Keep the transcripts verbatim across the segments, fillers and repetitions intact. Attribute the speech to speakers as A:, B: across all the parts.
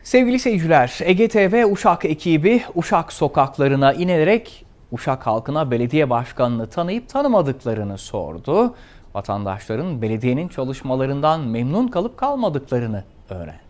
A: Sevgili seyirciler, Ege T V Uşak ekibi Uşak sokaklarına inerek Uşak halkına belediye başkanını tanıyıp tanımadıklarını sordu. Vatandaşların belediyenin çalışmalarından memnun kalıp kalmadıklarını öğrendi.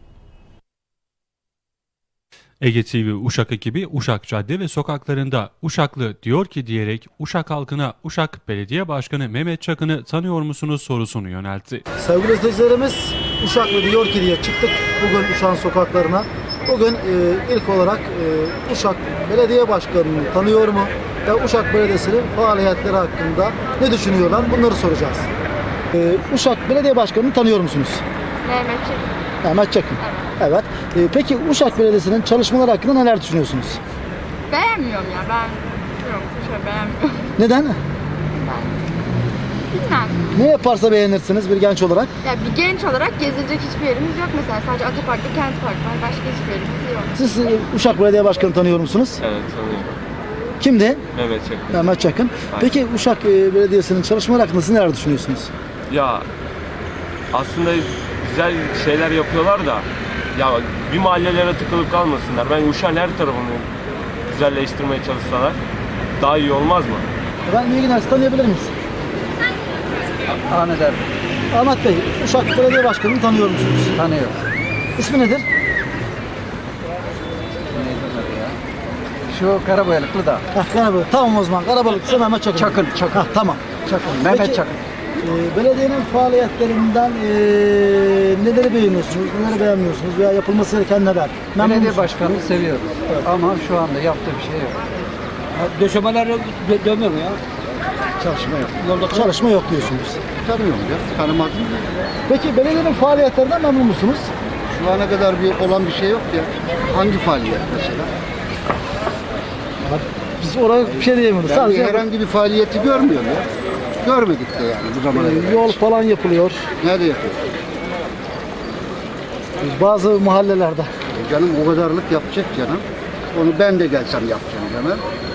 B: Ege T V Uşak ekibi Uşak cadde ve sokaklarında Uşaklı diyor ki diyerek Uşak halkına Uşak Belediye Başkanı Mehmet Çakın'ı tanıyor musunuz sorusunu yöneltti.
C: Sevgili izleyicilerimiz, Uşaklı diyor ki diye çıktık bugün Uşak'ın sokaklarına. Bugün e, ilk olarak e, Uşak Belediye Başkanı'nı tanıyor mu ve Uşak Belediyesi'nin faaliyetleri hakkında ne düşünüyorlar, bunları soracağız. E, Uşak Belediye Başkanı'nı tanıyor musunuz?
D: Mehmet Çakın.
C: Mehmet Çakın. Evet. E, peki Uşak Belediyesi'nin çalışmaları hakkında neler düşünüyorsunuz?
D: Beğenmiyorum ya ben. Yok şöyle beğenmiyorum.
C: Neden?
D: Bilmem.
C: Ne yaparsa beğenirsiniz bir genç olarak?
D: Ya bir genç olarak gezilecek hiçbir yerimiz yok mesela. Sadece Atapark'ta Kent Park var. Başka hiçbir yerimiz yok.
C: Siz e, Uşak Belediye Başkanı'nı tanıyor musunuz?
E: Evet, tanıyorum.
C: Kimdi?
E: Mehmet Çakın.
C: Mehmet Çakın. Peki Uşak e, Belediyesi'nin çalışmaları hakkında siz neler düşünüyorsunuz?
E: Ya aslında güzel şeyler yapıyorlar da ya bir mahallelere tıkılıp kalmasınlar. Ben Uşak'ın her tarafını güzelleştirmeye çalışsalar daha iyi olmaz mı?
C: Ben iyi günler, sizi tanıyabilir miyiz?
F: Ahmet abi
C: Ahmet Bey, Uşak Belediye Başkanı'nı tanıyor musunuz?
F: tanıyor.
C: İsmi nedir?
F: Neydi ya? Şu Karaboyalıklı da.
C: Heh, Karabalık. Tamam o zaman. Karabalık'sa Mehmet Çakın.
F: Çakın, Çakın.
C: Heh, tamam. Çakın.
F: Mehmet
C: Peki,
F: Çakın.
C: e, belediyenin faaliyetlerinden e, neleri beğeniyorsunuz, neleri beğenmiyorsunuz veya yapılması gereken neler? Memnun
F: Belediye
C: musunuz?
F: başkanını seviyoruz.
C: Evet.
F: Ama şu anda yaptığı bir şey yok.
G: Döşemeler dö dönmüyor mu ya?
F: Çalışma yok.
G: Yolda
C: Çalışma yok diyorsunuz.
H: Tanıyorum ya, tanımazdım.
C: Peki belediyenin faaliyetlerinden memnun musunuz?
H: Şu ana kadar bir olan bir şey yok ya. Hangi faaliyet mesela?
C: Biz oraya bir şey diyemiyoruz.
H: Ben
C: Sadece
H: herhangi bir faaliyeti görmüyorum ya. Görmedik de yani bu zamana
C: e,
H: kadar.
C: yol falan yapılıyor.
H: Nerede yapıyor?
C: Bazı mahallelerde.
H: E canım o kadarlık yapacak canım. Onu ben de gelsem yapacağım canım.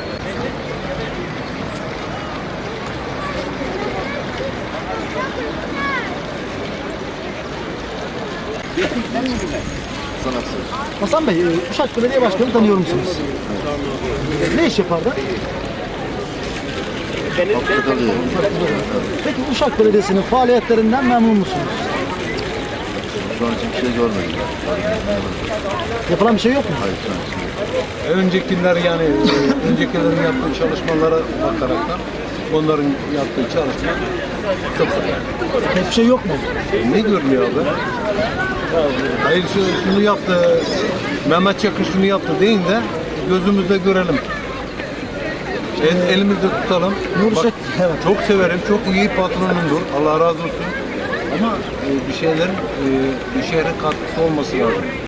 C: Hasan Bey, e, Uşak Belediye Başkanı'nı tanıyor musunuz? Ne iş yapardı? Peki Uşak Belediyesi'nin faaliyetlerinden memnun musunuz?
H: Şu an için bir şey görmedim.
C: Yapılan bir şey yok mu?
I: Öncekiler yani e, öncekilerin yaptığı çalışmalara bakaraktan onların yaptığı çalışma çok güzel.
C: Hiçbir şey yok mu?
I: Ne görünüyor abi? Hayır şu, şunu yaptı, Mehmet Çakır şunu yaptı deyin de gözümüzde görelim. El, elimizde tutalım.
C: Nur
I: Bak,
C: Şek- evet.
I: çok severim, çok iyi patronumdur. Allah razı olsun. Ama e, bir şeylerin e, bir şehre katkısı olması lazım.